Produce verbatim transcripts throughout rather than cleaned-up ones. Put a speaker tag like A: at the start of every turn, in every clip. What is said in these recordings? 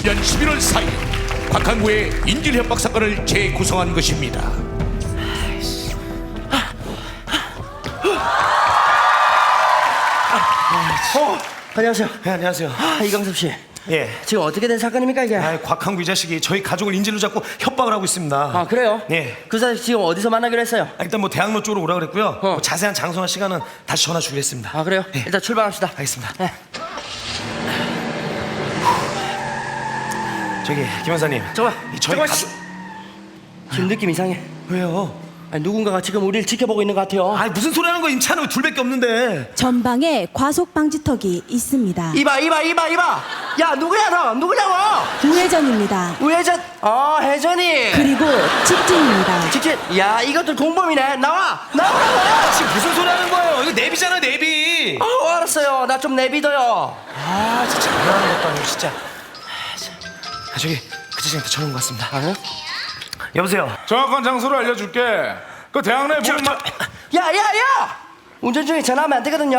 A: 이천십칠 년 십일월 사일 곽한구의 인질협박 사건을 재구성한 것입니다.
B: 어, 안녕하세요.
C: 네, 안녕하세요.
B: 아, 이광섭 씨.
C: 예.
B: 지금 어떻게 된 사건입니까 이게?
C: 아, 곽한구 이 자식이 저희 가족을 인질로 잡고 협박을 하고 있습니다.
B: 아 그래요?
C: 예.
B: 그 사람 지금 어디서 만나기로 했어요?
C: 아, 일단 뭐 대학로 쪽으로 오라 그랬고요.
B: 어.
C: 뭐 자세한 장소나 시간은 다시 전화 주기로 했습니다.
B: 아 그래요?
C: 예.
B: 일단 출발합시다.
C: 알겠습니다.
B: 네.
C: 저기 김 형사님.
B: 잠깐만.
C: 이 저희
B: 잠깐만.
C: 가족
B: 지금 느낌 이상해.
C: 왜요?
B: 아니, 누군가가 지금 우리를 지켜보고 있는 것 같아요.
C: 아, 무슨 소리 하는 거야? 임차는 둘밖에 없는데.
D: 전방에 과속 방지턱이 있습니다.
B: 이봐 이봐 이봐 이봐. 야 누구야 너? 누구냐고?
D: 우회전입니다.
B: 우회전. 어 혜전이.
D: 그리고 직진입니다.
B: 직진. 야 이것들 공범이네. 나와 나오라고.
C: 지금 무슨 소리 하는 거예요? 이거 내비잖아, 내비.
B: 어 알았어요. 나 좀 내비둬요.
C: 아, 진짜 장난하는 것도 아니고 진짜. 아, 저기 그 자식한테 전화 온 것 같습니다.
B: 아,
C: 여보세요.
E: 정확한 장소를 알려줄게. 그 대학 내 보면 마...
B: 야야야. 운전 중에 전화하면 안 되거든요.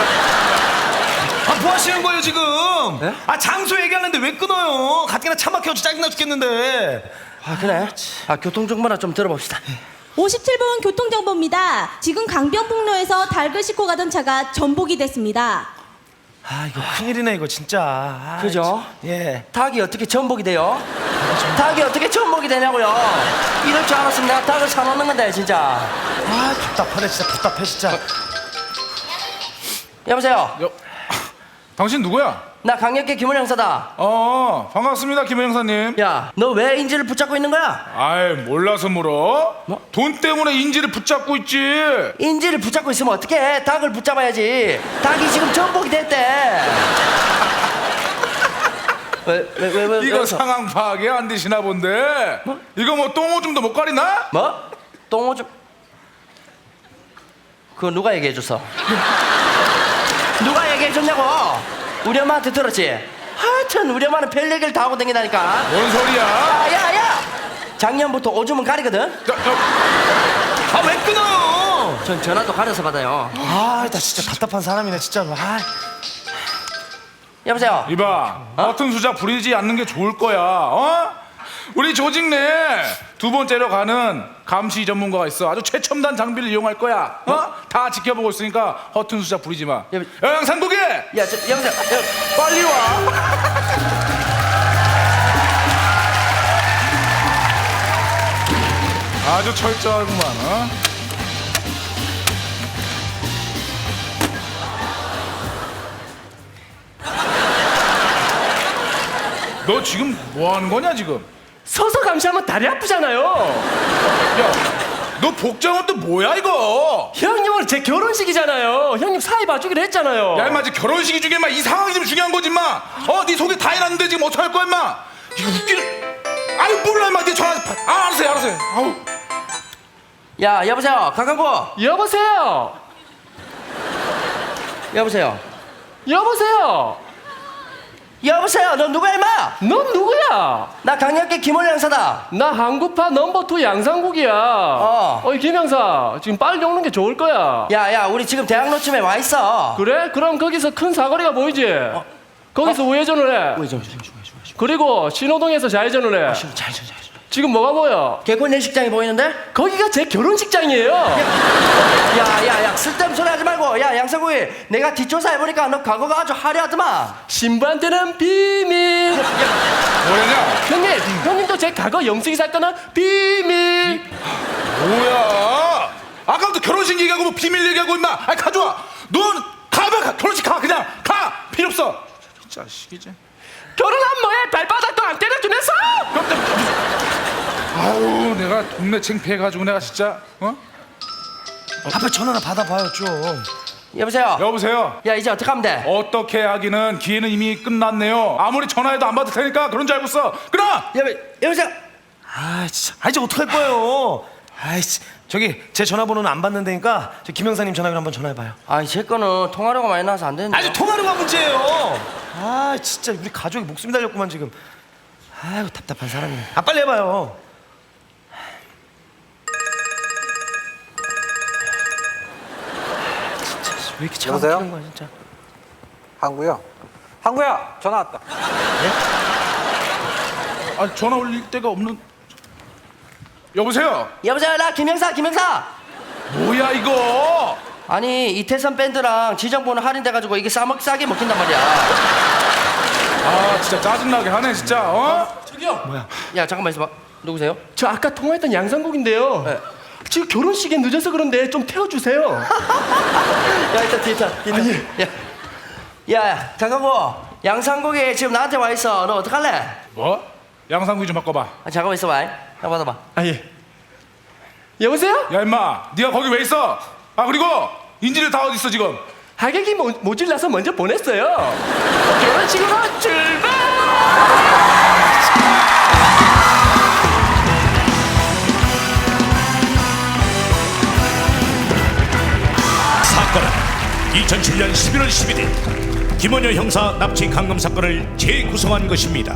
C: 아, 뭐 하시는 거예요 지금?
B: 네?
C: 아, 장소 얘기하는데 왜 끊어요? 가뜩이나 차 막혀서 짜증나 죽겠는데.
B: 아 그래? 아 교통정보나 좀 들어봅시다.
D: 오십칠 번 교통정보입니다. 지금 강변북로에서 닭을 싣고 가던 차가 전복이 됐습니다.
C: 아, 이거 큰일이네 이거 진짜. 아,
B: 그죠?
C: 참. 예.
B: 닭이 어떻게 전복이 돼요? 닭이 어떻게 전복이 되냐고요? 이럴 줄 알았으면 내가 닭을 사놓는 건데 진짜.
C: 아, 답답하네 진짜. 답답해 진짜.
B: 여보세요.
E: 여... 당신 누구야?
B: 나 강력계 김원 형사다.
E: 어, 반갑습니다, 김 형사님.
B: 야, 너 왜 인질을 붙잡고 있는 거야?
E: 아이, 몰라서 물어?
B: 뭐?
E: 돈 때문에 인질을 붙잡고 있지.
B: 인질을 붙잡고 있으면 어떡해? 닭을 붙잡아야지. 닭이 지금 전복이 됐대. 왜, 왜, 왜, 왜,
E: 이거
B: 왜
E: 상황 파악이 안 되시나 본데.
B: 뭐?
E: 이거 뭐 똥오줌도 못 가리나?
B: 뭐? 똥오줌? 그거 누가 얘기해줬어? 누가 얘기해줬냐고? 우리 엄마한테 들었지? 하여튼 우리 엄마는 별 얘기를 다 하고 다니다니까.
E: 뭔 소리야?
B: 야, 야, 야! 작년부터 오줌은 가리거든?
E: 저, 저,
C: 아, 왜 끊어요?
B: 전 전화도 가려서 받아요.
C: 아, 나 진짜 답답한 사람이네 진짜로. 아.
B: 여보세요?
E: 이봐, 허튼 수작 부리지 않는 게 좋을 거야. 어? 우리 조직 내에 두 번째로 가는 감시 전문가가 있어. 아주 최첨단 장비를 이용할 거야. 어? 다 지켜보고 있으니까 허튼 수작 부리지 마.
B: 여보-
E: 야, 양상국이!
B: 야, 저, 여보세요? 여,
E: 빨리 와. 아주 철저하구만. 어? 너 지금 뭐 하는 거냐 지금?
F: 서서 감시하면 다리 아프잖아요.
E: 야, 너 복장은 또 뭐야 이거?
F: 형님 오늘 제 결혼식이잖아요. 형님 사이 봐주기로 했잖아요.
E: 야, 임마, 지금 결혼식이 중에 임마 이 상황이 좀 중요한 거지 임마. 어, 네 속에 다 해놨는데 지금 어떡할 거야 임마? 이거 웃기는. 아유, 몰라 임마. 네 전화. 아, 알았어요, 알았어요. 아우.
B: 야, 여보세요? 강강구?
F: 여보세요.
B: 여보세요?
F: 여보세요.
B: 여보세요? 너 누구야, 임마?
F: 넌 누구야?
B: 나 강력계 김원 형사다.
F: 나 한국파 넘버 투 양상국이야.
B: 어.
F: 어이 김 형사, 지금 빨리 오는 게 좋을 거야.
B: 야, 야, 우리 지금 대학로쯤에 와 있어.
F: 그래? 그럼 거기서 큰 사거리가 보이지? 거기서 우회전을 해.
B: 우회전,
F: 그리고 신호등에서 좌회전을 해.
B: 잘, 잘, 잘.
F: 지금 뭐가 보여?
B: 개콘 예식장이 보이는데?
F: 거기가 제 결혼식장이에요.
B: 야, 야, 야, 쓸데없는 소리 하지 말고. 야, 양상구이, 내가 뒷조사 해보니까 너 과거가 아주 화려하더만.
F: 신부한테는 비밀.
E: 뭐냐냐?
F: 형님, 형님도 제 과거 영숙이 사건은 비밀.
E: 뭐야? 아까부터 결혼식 얘기하고 뭐 비밀 얘기하고 임마. 아, 가져와. 넌 가봐. 가. 결혼식 가. 그냥 가. 필요 없어. 이 자식이지.
F: 결혼한 뭐해? 발바닥도 안 때려주면서?
E: 아우, 내가 동네 창피해가지고 내가 진짜. 어?
C: 아빠 전화나 받아봐요 좀.
B: 여보세요?
E: 여보세요.
B: 야, 이제 어떻게 하면 돼?
E: 어떻게 하기는 기회는 이미 끝났네요. 아무리 전화해도 안 받을 테니까 그런 줄 알고 써. 끊어.
B: 여보, 여보세요?
C: 아, 진짜. 아, 이제 어떡할 거예요? 아이씨. 저기 제 전화번호는 안 받는다니까 저 김 형사님 전화기로 한번 전화해봐요.
B: 아이, 제 거는 통화료가 많이 나와서 안 되는데.
C: 아니, 통화료가 문제예요. 아, 진짜 우리 가족이 목숨이 달렸구만 지금. 아이고, 답답한 사람이네. 아, 빨리 해봐요. 진짜 왜 이렇게 차가
G: 여보세요?
C: 막히는 거야 진짜.
G: 항구야. 항구야, 전화 왔다.
E: 아 전화 올릴 데가 없는. 여보세요.
B: 여보세요, 나 김영사, 김영사.
E: 뭐야 이거?
B: 아니 이태선 밴드랑 지정보는 할인돼가지고 이게 싸먹 싸게 먹힌단 말이야.
E: 아 진짜 짜증나게 하네 진짜. 어?
B: 야 잠깐만 있어봐. 누구세요?
F: 저 아까 통화했던 양상국인데요.
B: 네.
F: 지금 결혼식에 늦어서 그런데 좀 태워주세요.
B: 야 일단 뒤에 타. 뒤에 타.
F: 아니.
B: 야, 야, 야 잠깐만. 양상국이 지금 나한테 와 있어. 너 어떡할래?
E: 뭐? 양상구이 좀 바꿔봐.
B: 아, 잠깐만 있어봐. 야 받아봐.
F: 아 예. 여보세요?
E: 야 임마, 네가 거기 왜 있어? 아 그리고 인질들 다 어디 있어 지금?
F: 하객이 모, 모질라서 먼저 보냈어요. 결혼식으로 출발!
A: 사건은 이천칠 년 십일월 십일일 김원효 형사 납치 강금 사건을 재구성한 것입니다.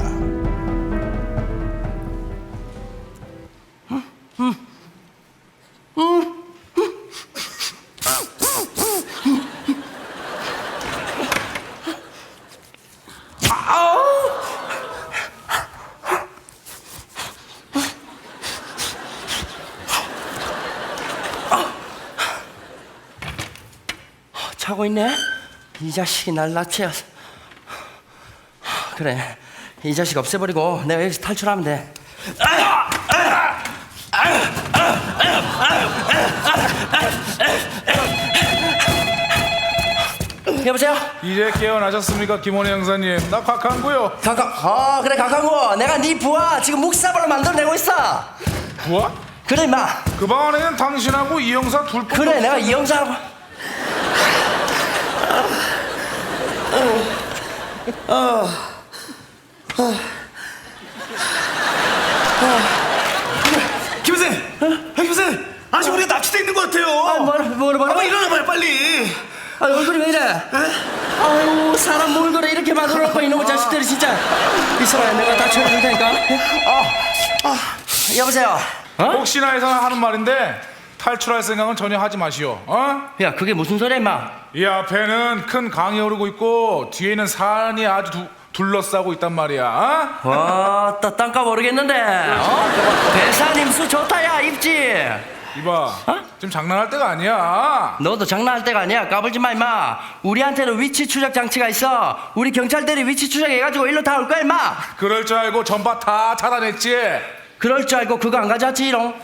B: 자고 있네? 이 자식이 날 납치해서. 그래, 이 자식 없애버리고 내가 여기서 탈출하면 돼. 여보세요?
E: 이제 깨어나셨습니까 김원희 형사님? 나 곽한구요.
B: 강강, 어 그래 강강구, 내가 네 부하 지금 묵사발로 만들어내고 있어.
E: 뭐야?
B: 그래 임마.
E: 그 방 안에는 당신하고 이 형사 둘 뿐.
B: 그래 내가 이 형사하고.
C: 김 선생, 어? 김 선생, 아직 우리가 납치돼 있는 것 같아요.
B: 아, 뭐라 뭐라 뭐라.
C: 한번 일어나봐요 빨리.
B: 아 얼굴이 왜 이래? 아유 사람 몰골을 이렇게 만들어놓고 이놈의 자식들이 진짜. 있어봐요, 내가 다 쳐줄 테니까. 아, 아, 여보세요.
E: 혹시나 해서 하는 말인데 탈출할 생각은 전혀 하지 마시오. 어?
B: 야 그게 무슨 소리야 임마?
E: 이 앞에는 큰 강이 흐르고 있고 뒤에는 산이 아주 두, 둘러싸고 있단 말이야. 어?
B: 와, 또 땅값 모르겠는데. 어? 배사님 수 좋다 야 입지.
E: 이봐, 지금 장난할 때가 아니야.
B: 너도 장난할 때가 아니야. 까불지 마 임마. 우리한테는 위치 추적 장치가 있어. 우리 경찰들이 위치 추적해가지고 일로 다 올 거야 임마.
E: 그럴 줄 알고 전파 다 차단했지.
B: 그럴 줄 알고 그거 안 가져왔지 이롱.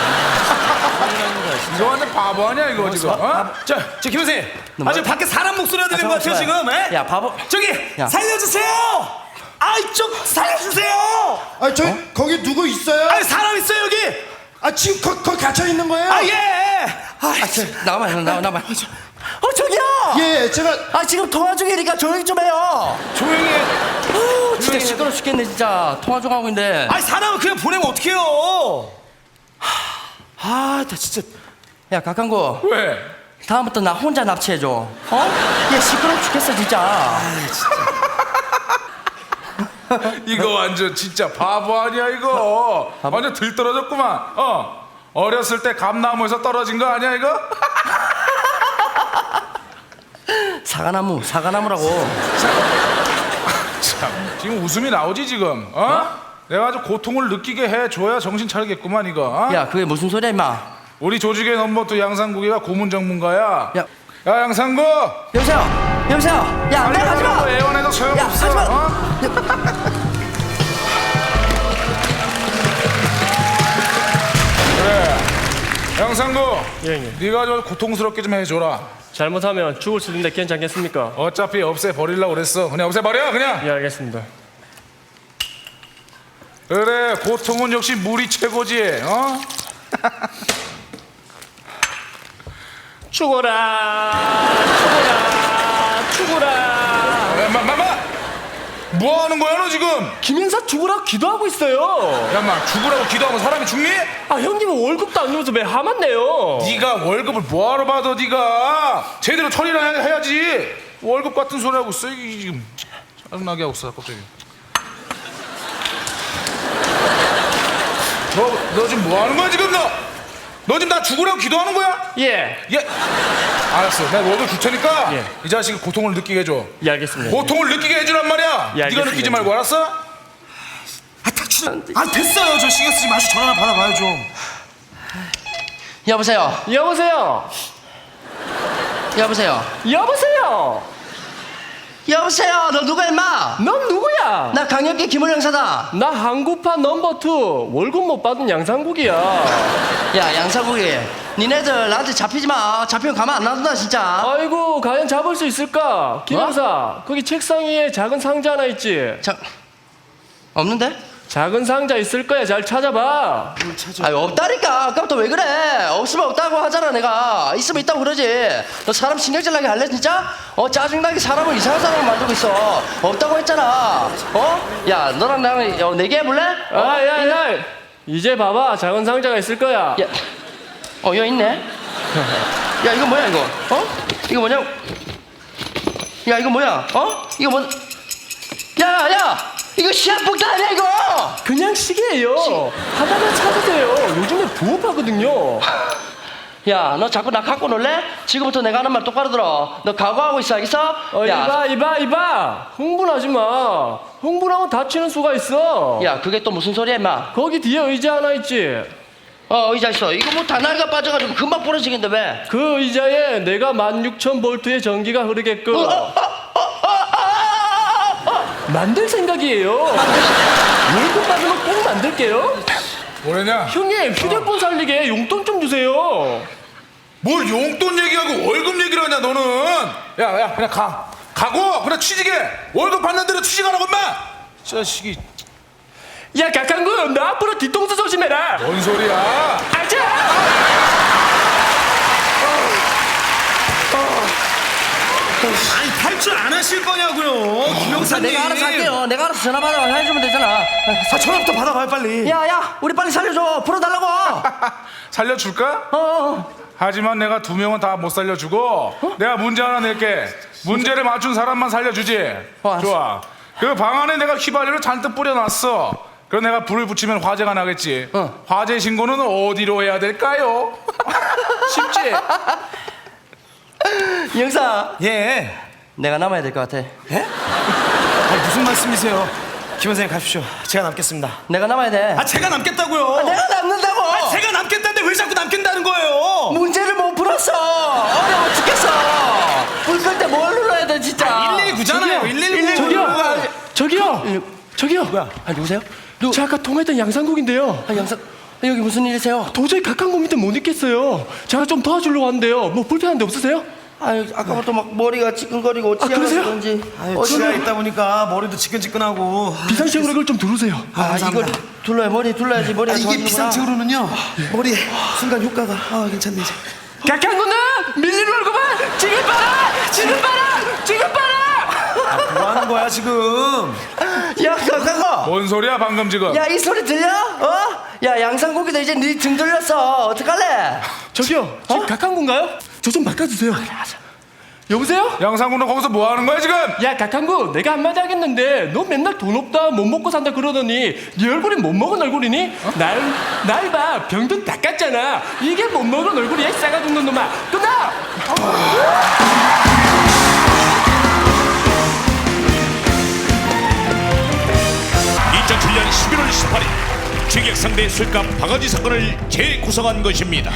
E: 이거 완전 바보 아니야 이거 지금. 어?
C: 자, 저 김 선생,
B: 너
C: 아 지금 밖에 사람 목소리가 들리는 것 같아요 지금. 에?
B: 야 바보.
C: 저기
B: 야.
C: 살려주세요. 아이 좀 살려주세요.
G: 아, 저 거기 누구 있어요?
C: 아 사람 있어요 여기.
G: 아, 지금 거, 거기 갇혀 있는 거예요?
C: 아 예. 아,
B: 아, 저, 나와봐 나와 나와봐. 어 저기요.
G: 예, 제가
B: 아 지금 통화 중이니까 조용히 좀 해요.
C: 조용히 해.
B: 어, 진짜 시끄러 죽겠네 진짜. 통화 중 하고 있는데.
C: 아이 사람을 그냥 보내면 어떡해요. 아, 나 진짜.
B: 야 각한구.
E: 왜?
B: 다음부터 나 혼자 납치해줘. 어? 얘 시끄러 죽겠어 진짜.
E: 이거 완전 진짜 바보 아니야 이거.
B: 바보?
E: 완전 들떨어졌구만. 어? 어렸을 때 감나무에서 떨어진 거 아니야 이거?
B: 사과나무 사과나무라고.
E: 참, 지금 웃음이 나오지 지금. 어? 내가 아주 고통을 느끼게 해줘야 정신 차리겠구만 이거. 어?
B: 야 그게 무슨 소리야 임마.
E: 우리 조직의 넘버투 양상국이가 고문 전문가야.
B: 야
E: 야 양상국.
B: 여보세요 여보세요. 야 내가 가지마.
E: 애원해도
B: 야
E: 소용없어.
B: 하지마.
E: 어? 그래. 양상국.
F: 예, 예.
E: 네가 좀 고통스럽게 좀 해줘라.
F: 잘못하면 죽을 수도 있는데 괜찮겠습니까?
E: 어차피 없애 버리려고 그랬어. 그냥 없애 버려 그냥.
F: 예, 알겠습니다.
E: 그래 고통은 역시 물이 최고지. 어?
F: 죽어라, 죽어라, 죽어라.
E: 야, 마, 마, 마! 뭐 하는 거야 너 지금?
F: 김인사 죽으라고 기도하고 있어요.
E: 야, 마 죽으라고 기도하면 사람이 죽니?
F: 아 형님은 월급도 안 주면서 왜 화만 내요?
E: 네가 월급을 뭐하러 받아 네가 제대로 처리를 해- 해야지. 월급 같은 소리 하고 있어 이게 지금. 짜증나게 하고 있어 갑자기. 너, 너 지금 뭐 하는 거야 지금 너? 너 지금 나 죽으라고 기도하는 거야?
F: 예,
E: 예. 알았어. 내가 월급 줄 테니까
F: 예.
E: 이 자식이 고통을 느끼게 해줘.
F: 예 알겠습니다.
E: 고통을 느끼게 해주란 말이야.
F: 예,
E: 네가
F: 알겠습니다.
E: 느끼지 말고 알았어?
C: 아 닥쳐. 아 됐어요. 저 신경 쓰지 마시고 전화나 받아봐요 좀.
B: 여보세요.
F: 여보세요.
B: 여보세요.
F: 여보세요.
B: 여보세요. 너 누가 임마?
F: 넌 누구야?
B: 나 강력계 김원 형사다.
F: 나 한국판 넘버 투 월급 못 받은 양상국이야.
B: 야 양사국이, 니네들 나한테 잡히지 마. 잡히면 가만 안 놔둔다 진짜.
F: 아이고 과연 잡을 수 있을까? 김
B: 어?
F: 형사 거기 책상 위에 작은 상자 하나 있지?
B: 자, 없는데?
F: 작은 상자 있을 거야. 잘 찾아봐.
B: 아니 없다니까. 아까부터 왜 그래? 없으면 없다고 하잖아 내가. 있으면 있다고 그러지. 너 사람 신경질 나게 할래 진짜? 어 짜증나게 사람을 이상한 사람을 만들고 있어. 없다고 했잖아. 어? 야 너랑 나랑 어, 내기해볼래? 어?
F: 아야야 이제 봐봐. 작은 상자가 있을 거야.
B: 야, 어 여기 있네. 야 이거 뭐야 이거? 어? 이거 뭐냐? 야 이거 뭐야? 어? 이거 뭐? 야 야! 이거 시한폭탄 아니야 이거?
F: 그냥 시계예요. 하다가 찾으세요. 요즘에 부업하거든요.
B: 야 너 자꾸 나 갖고 놀래? 지금부터 내가 하는 말 똑바로 들어. 너 각오하고 있어 알겠어?
F: 어,
B: 야,
F: 이봐 이봐 이봐. 흥분하지 마. 흥분하면 다치는 수가 있어.
B: 야 그게 또 무슨 소리야 임마?
F: 거기 뒤에 의자 하나 있지?
B: 어 의자 있어. 이거 뭐 다나리가 빠져가지고 금방 부러지겠는데 왜?
F: 그 의자에 내가 만 육천 볼트의 전기가 흐르게끔
B: 어, 어, 어, 어, 어, 어, 어.
F: 만들 생각이에요. 월급 받으면 꼭 만들게요.
E: 뭐래냐?
F: 형님 휴대폰 살리게 용돈 좀 주세요.
E: 뭘 용돈 얘기하고 월급 얘기를 하냐 너는? 야야 그냥 가 가고 그냥 취직해. 월급 받는 대로 취직하라고 임마. 자식이.
F: 야 각한군 너 앞으로 뒤통수 조심해라.
E: 뭔 소리야?
F: 아자.
C: 아니 탈출 안 하실 거냐고요. 김 형사님.
B: 내가 알아서 할게요. 내가 알아서 전화 받아 해주면 되잖아.
C: 아 전화부터 받아봐요 빨리.
B: 야야 우리 빨리 살려줘. 풀어달라고.
E: 살려줄까?
B: 어, 어.
E: 하지만 내가 두 명은 다 못 살려주고 내가 문제 하나 낼게. 문제를 맞춘 사람만 살려주지.
B: 어, 알았어.
E: 좋아. 그 방 안에 내가 휘발유를 잔뜩 뿌려놨어. 그럼 내가 불을 붙이면 화재가 나겠지.
B: 어.
E: 화재 신고는 어디로 해야 될까요? 쉽지?
B: 이 형사
C: 예.
B: 내가 남아야 될 것 같아.
C: 예? 아니, 무슨 말씀이세요? 김 선생님 가십시오. 제가 남겠습니다.
B: 내가 남아야 돼.
C: 아 제가 남겠다고요.
B: 내가 남는다고.
C: 아, 제가 남겠다는데 왜 자꾸 남겠다는 거예요?
B: 문제를 못 풀었어. 어려워 죽겠어. 불 끌 때 뭘 눌러야 돼 진짜.
C: 일일구잖아요. 일일구.
F: 저기요. 저기요. 저기요.
B: 뭐야? 아 누구세요? 누?
F: 저 아까 통화했던 양상국인데요.
B: 아 양사. 아, 여기 무슨 일이세요?
F: 도저히 각한국 밑에 못 있겠어요. 제가 좀 도와주려고 하는데요. 뭐 불편한 데 없으세요?
B: 아유 아까부터 막 머리가 찌끈거리고
F: 아, 그러세요?
B: 그런지.
C: 아유, 지하에 있다 보니까 머리도 지끈지끈하고.
F: 비상식으로 이걸 좀 두르세요.
B: 아 이거 둘러야 머리 둘러야지 머리가
G: 이게
B: 좋아지는구나.
G: 비상책으로는요 머리 순간 효과가 아 괜찮네 이제.
F: 각한국은 밀리는 월급은 지금 봐라. 지금 봐라. 지금 봐라.
C: 뭐 하는 거야 지금?
B: 야 강강거.
E: 뭔 소리야 방금 지금?
B: 야 이 소리 들려? 어? 야 양상고기도 이제 네 등 돌렸어. 어떡할래?
F: 저기요. 지금 각한국인가요? 저 좀 바꿔주세요. 여보세요?
E: 양상군은 거기서 뭐 하는 거야 지금?
F: 야 각한국 내가 한마디 하겠는데 너 맨날 돈 없다 못 먹고 산다 그러더니 네 얼굴이 못 먹은 얼굴이니? 날 날 봐 병든 닦았잖아. 이게 못 먹은 얼굴이야 싸가 죽는 놈아. 끝나.
A: 이천칠 년 십일월 십팔일 취객상대 술값 바가지 사건을 재구성한 것입니다.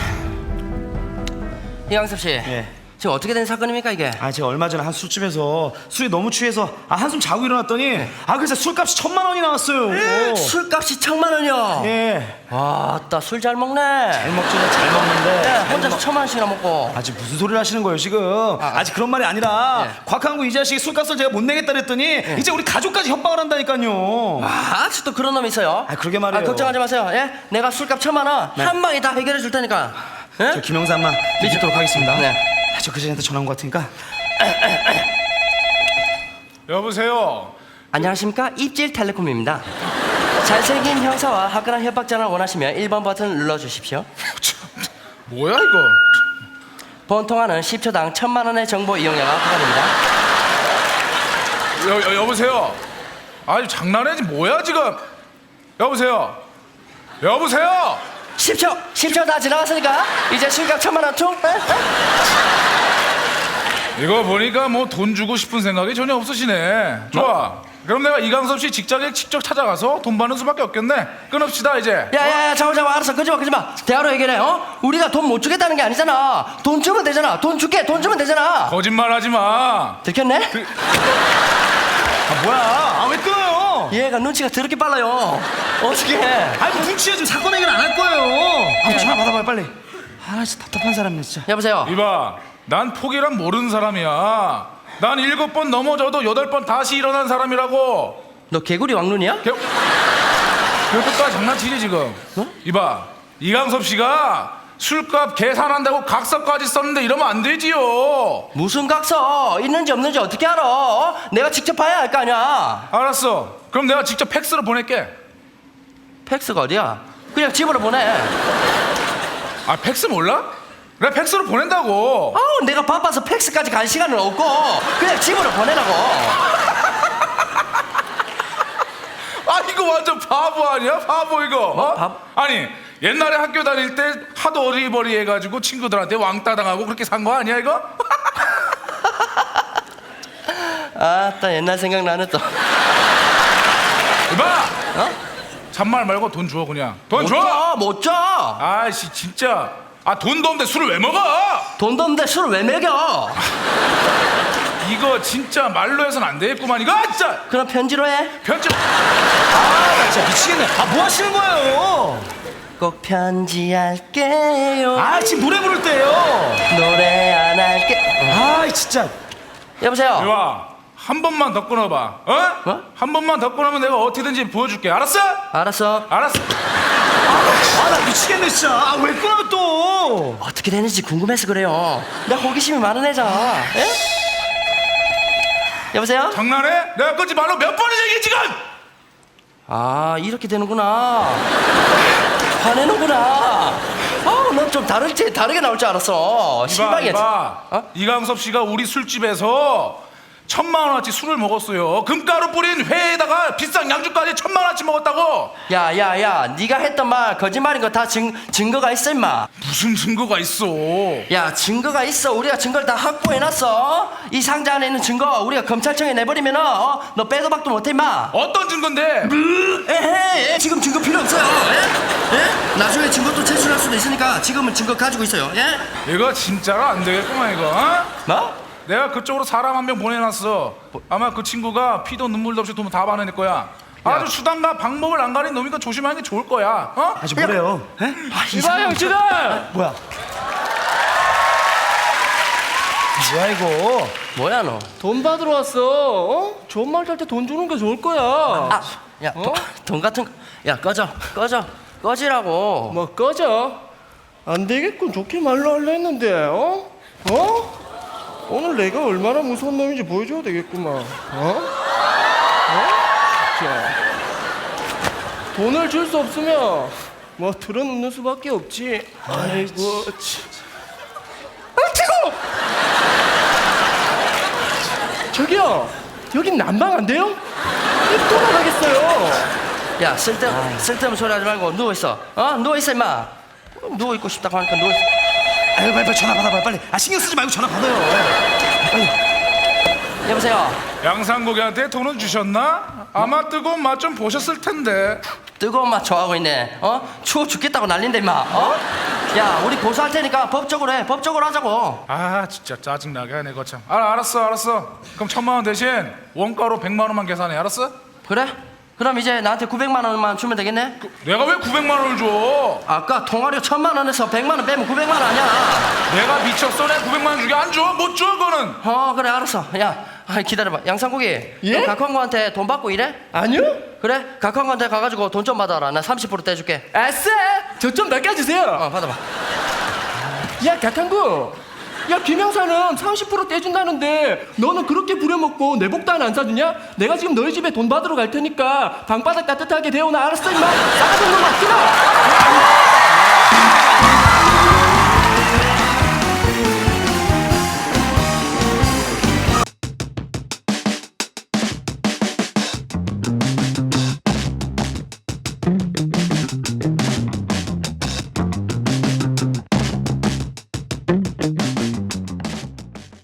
B: 이광섭 씨.
C: 예.
B: 지금 어떻게 된 사건입니까 이게?
C: 아 제가 얼마 전에 한 술집에서 술이 너무 취해서 아 한숨 자고 일어났더니 아 그래서 술값이 천만 원이 나왔어요.
B: 술값이 천만 원이요.
C: 예.
B: 아따 술 잘 먹네.
C: 잘 먹지는 잘 먹는데.
B: 네, 혼자서 천만 원씩이나 먹고.
C: 아직 무슨 소리를 하시는 거예요 지금? 아직 그런 말이 아니라
B: 네.
C: 곽한구 이 자식이 술값을 제가 못 내겠다 그랬더니 이제 우리 가족까지 협박을 한다니까요.
B: 아, 아직도 그런 놈이 있어요?
C: 아, 그러게 말이에요.
B: 아, 걱정하지 마세요. 예? 내가 술값 천만 원 한 방에 다 해결해 줄 테니까. 예?
C: 저 김영삼만 믿도록 하겠습니다.
B: 네.
C: 아, 저 그전한테 전화 온 것 같으니까.
E: 여보세요.
B: 안녕하십니까? 입질텔레콤입니다. 잘생긴 형사와 화끈한 협박 전화를 원하시면 일 번 버튼 눌러주십시오.
E: 뭐야 이거?
B: 본 통화는 십 초당 천만 원의 정보 이용료가 부과됩니다.
E: 여, 여 여보세요. 아니 장난해지 뭐야 지금? 여보세요. 여보세요.
B: 십 초! 십 초 다 지나갔으니까 이제 술값 천만 원 총? 에?
E: 이거 보니까 뭐 돈 주고 싶은 생각이 전혀 없으시네. 좋아. 그럼 내가 이강섭 씨 직장에 직접 찾아가서 돈 받는 수밖에 없겠네. 끊읍시다 이제.
B: 야야야 잠깐 잠깐 알았어 끄지마 끄지마 대화로 해결해. 어? 우리가 돈 못 주겠다는 게 아니잖아. 돈 주면 되잖아. 돈 줄게 돈 주면 되잖아.
E: 거짓말하지 마.
B: 들켰네?
C: 아 뭐야? 아 왜 끊어요?
B: 얘가 눈치가 더럽게 빨라요. 어떻게 해?
C: 아니 뭐 눈치야 지금 사건 해결 안 할 거예요. 아 전화 받아봐요 빨리. 아 진짜 답답한 사람이네 진짜.
B: 여보세요.
E: 이봐, 난 포기란 모르는 사람이야. 난 일곱 번 넘어져도 여덟 번 다시 일어난 사람이라고.
B: 너 개구리 왕눈이야?
E: 개... 그것까지 장난치지 지금.
B: 어?
E: 이봐, 이강섭 씨가 술값 계산한다고 각서까지 썼는데 이러면 안 되지요.
B: 무슨 각서? 있는지 없는지 어떻게 알아? 어? 내가 직접 봐야 할 거 아니야.
E: 알았어. 그럼 내가 직접 팩스로 보낼게.
B: 팩스가 어디야? 그냥 집으로 보내.
E: 아, 팩스 몰라? 그래, 팩스로 보낸다고.
B: 아우 내가 바빠서 팩스까지 갈 시간은 없고 그냥 집으로 보내라고.
E: 아, 이거 완전 바보 아니야? 바보 이거. 어?
B: 바보?
E: 아니, 옛날에 학교 다닐 때 하도 어리버리 해가지고 친구들한테 왕따 당하고 그렇게 산 거 아니야 이거?
B: 아따 옛날 생각나네 또.
E: 이봐,
B: 어?
E: 잔말 말고 돈 줘 그냥. 돈
B: 못
E: 줘.
B: 줘, 못 줘.
E: 아이씨 진짜. 아, 돈도 없는데 술을 왜 먹어?
B: 돈도 없는데 술을 왜 먹여?
E: 이거 진짜 말로 해서는 안 되겠구만 이거. 진짜
B: 그럼 편지로 해.
E: 편집.
C: 아 진짜 미치겠네. 아 뭐 하시는 거예요?
B: 꼭 편지할게요.
C: 아 지금 노래 부를 때예요.
B: 노래 안 할게.
C: 아 진짜.
B: 여보세요.
E: 이와 한 번만 더 끊어봐. 어?
B: 뭐?
E: 한 번만 더 끊으면 내가 어떻게든지 보여줄게. 알았어?
B: 알았어.
E: 알았어.
C: 아 나 미치겠네 진짜. 아 왜 끊어요 또?
B: 어떻게 되는지 궁금해서 그래요. 나 호기심이 많은 애잖아. 예? 여보세요?
E: 장난해? 내가 끊지 말로 몇 번을 얘기해 지금.
B: 아 이렇게 되는구나. 화내는구나. 아우 넌 좀 다르지 다르게 나올 줄 알았어.
E: 이봐
B: 실망이야.
E: 이봐.
B: 어?
E: 이강섭 씨가 우리 술집에서 천만 원어치 술을 먹었어요. 금가루 뿌린 회에다가 비싼 양주까지 천만 원어치 먹었다고.
B: 야야야 네가 했던 말 거짓말인 거 다 증거가 있어 임마.
E: 무슨 증거가 있어?
B: 야 증거가 있어. 우리가 증거를 다 확보해놨어. 이 상자 안에 있는 증거 우리가 검찰청에 내버리면 어? 너 빼도 박도 못해 임마.
E: 어떤 증거인데?
B: 에헤 지금 증거 필요 없어요. 예? 예? 나중에 증거도 제출할 수도 있으니까 지금은 증거 가지고 있어요. 예?
E: 이거 진짜로 안 되겠구만 이거. 어?
B: 뭐?
E: 내가 그쪽으로 사람 한 명 보내놨어. 아마 그 친구가 피도 눈물도 없이 돈 다 받아낼 거야. 아주 수단과 방법을 안 가린 놈이니까 조심하는 게 좋을 거야. 어?
C: 아직 뭐래요? 에?
F: 이봐 형씨들.
C: 뭐야? 뭐야 이거?
B: 뭐야 너?
F: 돈 받으러 왔어. 어? 좋은 말 할 때 돈 주는 게 좋을 거야.
B: 아, 야,
F: 어?
B: 돈, 돈 같은 거. 야, 꺼져, 꺼져, 꺼지라고.
F: 뭐 꺼져. 안 되겠군. 좋게 말로 하려 했는데. 어? 어? 오늘 내가 얼마나 무서운 놈인지 보여줘야 되겠구만. 어? 어? 자, 돈을 줄 수 없으면 뭐 들어눕는 수밖에 없지. 아이고, 참. 아, 뜨거! 저기요, 여긴 난방 안 돼요? 입 돌아가겠어요.
B: 야, 쓸데 쓸데없는 소리 하지 말고 누워 있어. 어, 누워 있어 임마. 누워 있고 싶다고 하니까 누워 있어.
C: 아유 빨리 빨리 전화 받아봐요 빨리. 아 신경 쓰지 말고 전화 받아요. 빨리.
B: 여보세요.
E: 양상국이한테 돈은 주셨나? 아마 뜨거운 맛 좀 보셨을 텐데.
B: 뜨거운 맛 좋아하고 있네. 어? 추워 죽겠다고 난린다 임마. 어? 야, 우리 고소할 테니까 법적으로 해. 법적으로 하자고.
E: 아 진짜 짜증나게 하네 거참. 아, 알았어 알았어. 그럼 천만 원 대신 원가로 백만 원만 계산해. 알았어?
B: 그래? 그럼 이제 나한테 구백만 원만 주면 되겠네?
E: 내가 왜 구백만 원을 줘?
B: 아까 통화료 천만 원에서 백만 원 빼면 구백만 원 아니야.
E: 내가 미쳤어? 내가 구백만 원 주게 안 줘? 못 줘 그거는.
B: 어, 그래 알았어. 야, 아, 기다려봐. 양상국이.
F: 예?
B: 너 각광구한테 돈 받고 일해?
F: 아니요?
B: 그래? 각광구한테 가가지고 돈 좀 받아라. 나 삼십 퍼센트 떼줄게.
F: 아싸! 저 좀 낚아주세요.
B: 어, 받아봐.
F: 야, 각한구. 야, 김영사는 삼십 퍼센트 떼준다는데 너는 그렇게 부려먹고 내 복도 하나 안 사주냐? 내가 지금 너희 집에 돈 받으러 갈 테니까 방바닥 따뜻하게 데워놔. 알았어 임마. 싸가지 없는 놈아, 끊어.